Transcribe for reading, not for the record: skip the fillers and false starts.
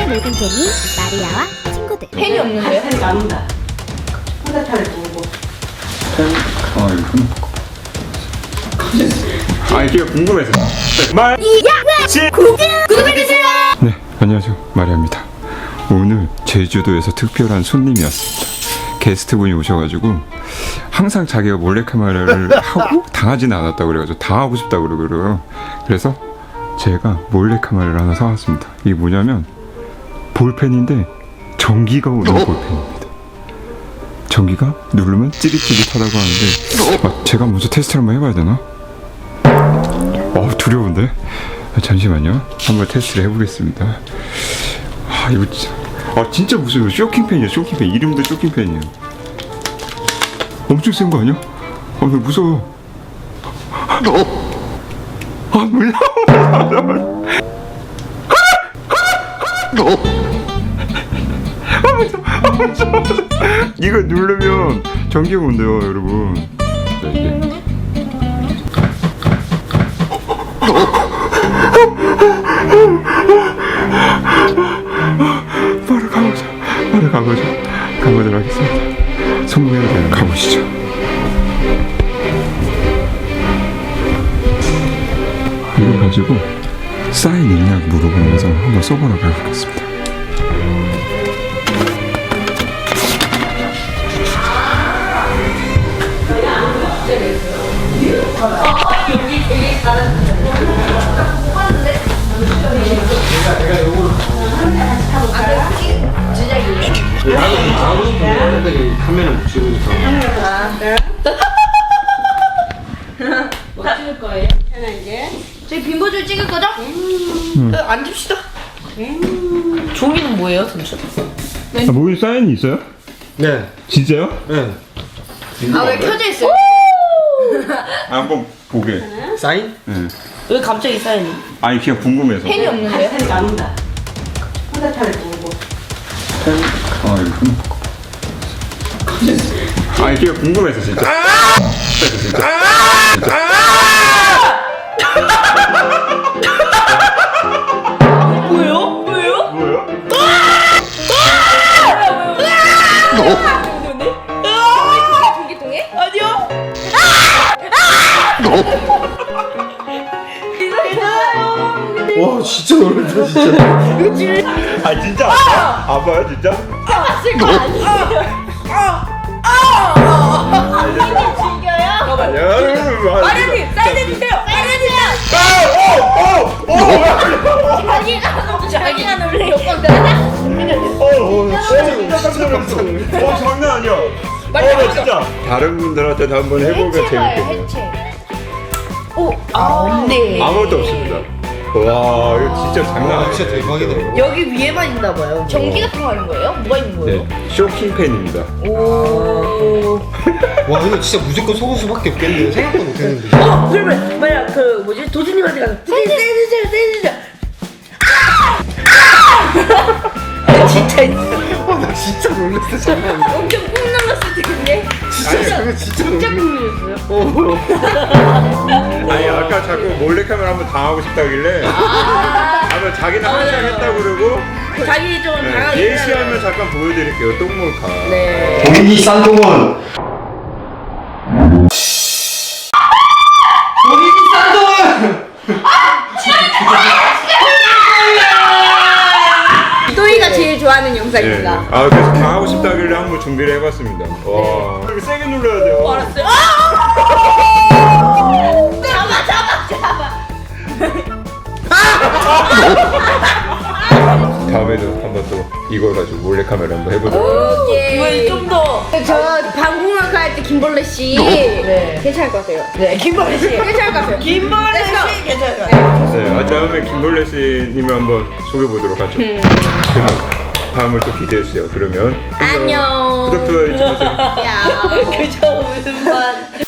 놀던 개미 마리아와 친구들. 펜이 없는데요? 펜이 안 온다. 휴대폰을 보고. 아 이거 아니 그게 궁금해서 구독해주세요. 네 안녕하세요 마리아입니다. 오늘 제주도에서 특별한 손님이 왔습니다. 게스트분이 오셔가지고 항상 자기가 몰래카메라를 하고 당하지는 않았다고 그래가지고 당하고 싶다고 그러고요. 그래서 제가 몰래카메라를 하나 사왔습니다. 이게 뭐냐면 볼펜인데 전기가 오는 볼펜입니다. 전기가 누르면 찌릿찌릿하다고 하는데 제가 먼저 테스트를 한번 해봐야 되나? 두려운데? 잠시만요. 한번 테스트를 해보겠습니다. 이거 진짜 무슨 쇼킹펜이야. 쇼킹펜 이름도 쇼킹펜이에요. 엄청 센 거 아니야? 나 무서워. 몰라. 이거 누르면 전기가 온대요, 여러분. 자, 이제. 바로 가보도록 하겠습니다. 성공해야 돼요. 가보시죠. 이거 가지고 사인 있냐고 물어보면서 한번 써보라고 해보겠습니다. 카메라 못 찍으니까. 뭐 찍을 거예요? 저희 빈보줄 찍을 거죠? 앉읍시다. 종이는 뭐예요, 잠시? 모임 사인이 있어요? 네. 진짜요? 네. 왜 켜져 있어요? 한번 보게. 사인? 네. 왜 갑자기 사인이? 아니 그냥 궁금해서. 펜이 없는데요? 펜이 안 온다. 휴대폰을 보고. 아니 그냥 궁금해서 진짜. 진짜. 뭐예요? 뭐야? 전기통에? 아니요. 와 진짜 놀랐다 진짜. 진짜 아파요 진짜? 봤을 거 아니에요? 아니야. 마련님 사인 해주세요. 사인 해주세요. 자기가 놀래. 진짜 깜짝 놀랐어. 장난 아니야. 나 진짜. 다른 분들한테도 한번 해보면 재밌겠네요. 해체. 없네. 아무것도 없습니다. 와 이거 진짜 장난 아니야. 진짜 대박이네. 여기 위에만 있나 봐요. 전기가 통하는 거예요? 뭐가 있는 거예요? 네, 쇼킹펜입니다. 오. 와 이거 진짜 무조건 속을 수밖에 없겠네. 생각도 못했는데. 그러면 만약 그 뭐지 도준님한테 가서 세주세요. 진짜 있어. 나 진짜 놀랐어 장난 아니야. 엄청 꾹 눌렀을 텐데. 진짜 그거 진짜 진짜 꾹 놀랐어. 눌렀어요. 아니 아까 자꾸 몰래카메라 한번 당하고 싶다길래 아마 자기는 항상 했다고 그러고 자기 좀 당하게. 예시하면 잠깐 보여드릴게요. 똥몰카. 네. 본인이 쌍둥은. 본인이 쌍둥은. 또이가 제일 좋아하는 영상입니다. 네. 그래서 당하고 싶다길래 한번 준비를 해봤습니다. 와. 이거 세게 눌러야 돼요. 알았어요. 잡아. 다음에도 한번 또 이걸 가지고 몰래카메라 한번 해보도록. 오케이. 이번엔 좀 더. 저 방공학과 할 때 김벌레 씨. 네. 괜찮을 것 같아요. 네, 김벌레 씨. 괜찮을 것 같아요. 김벌레 씨 괜찮을 것 같아요. 네, 다음에 김벌레 씨님을 한번 소개해 보도록 하죠. 그럼 다음을 또 기대해 주세요. 그러면 안녕. 구독 좋아요 잊지 마세요. 야. 그저 웃음만.